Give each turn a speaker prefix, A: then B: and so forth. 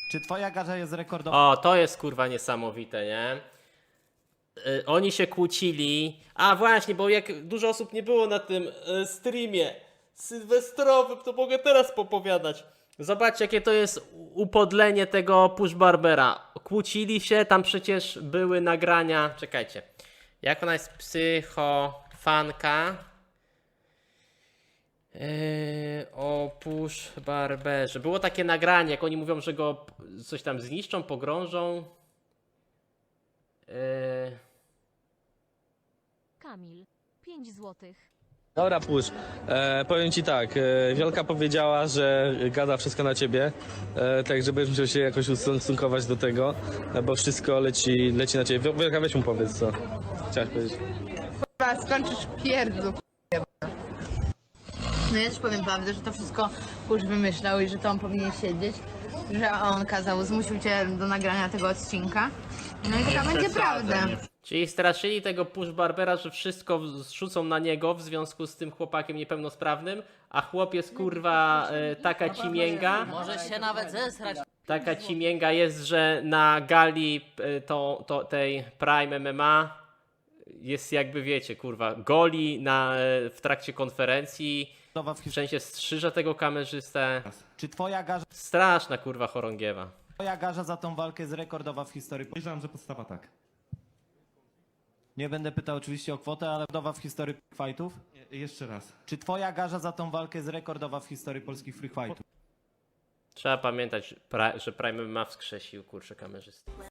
A: Czy twoja garza jest rekordowa?
B: O, to jest kurwa niesamowite, nie? Oni się kłócili. A właśnie, bo jak dużo osób nie było na tym streamie sylwestrowym, to mogę teraz popowiadać. Zobaczcie, jakie to jest upodlenie tego Push Barbera. Kłócili się, tam przecież były nagrania. Czekajcie. Jak ona jest psychofanka? O Push Barberze. Było takie nagranie, jak oni mówią, że go coś tam zniszczą, pogrążą.
C: Kamil, 5 złotych.
D: Dobra, push. Powiem ci tak, Wiolka powiedziała, że gada wszystko na ciebie, tak żebyś musiał się jakoś ustosunkować do tego, bo wszystko leci na ciebie. Wiolka, weź mu powiedz, co chciałaś powiedzieć.
E: Kurwa, skończysz pierdzu. No ja też powiem prawdę, że to wszystko Push wymyślał i że to on powinien siedzieć, że on zmusił cię do nagrania tego odcinka. No i taka będzie prawda.
B: Czyli straszyli tego Push Barbera, że wszystko zrzucą na niego w związku z tym chłopakiem niepełnosprawnym, a chłop jest kurwa taka cimięga.
F: Może się nawet zesrać.
B: Taka cimięga jest, że na gali tej Prime MMA jest jakby wiecie, kurwa, goli w trakcie konferencji, w sensie strzyża tego kamerzystę.
A: Czy twoja
B: Straszna kurwa chorągiewa.
A: garza za tą walkę jest rekordowa w historii?
G: Podejrzewam, że podstawa tak.
A: Nie będę pytał oczywiście o kwotę, ale rekordowa w historii fightów?
G: Jeszcze raz.
A: Czy twoja garza za tą walkę jest rekordowa w historii polskich free fightów?
B: Trzeba pamiętać, że Prime MMA wskrzesił kurczę kamerzystę.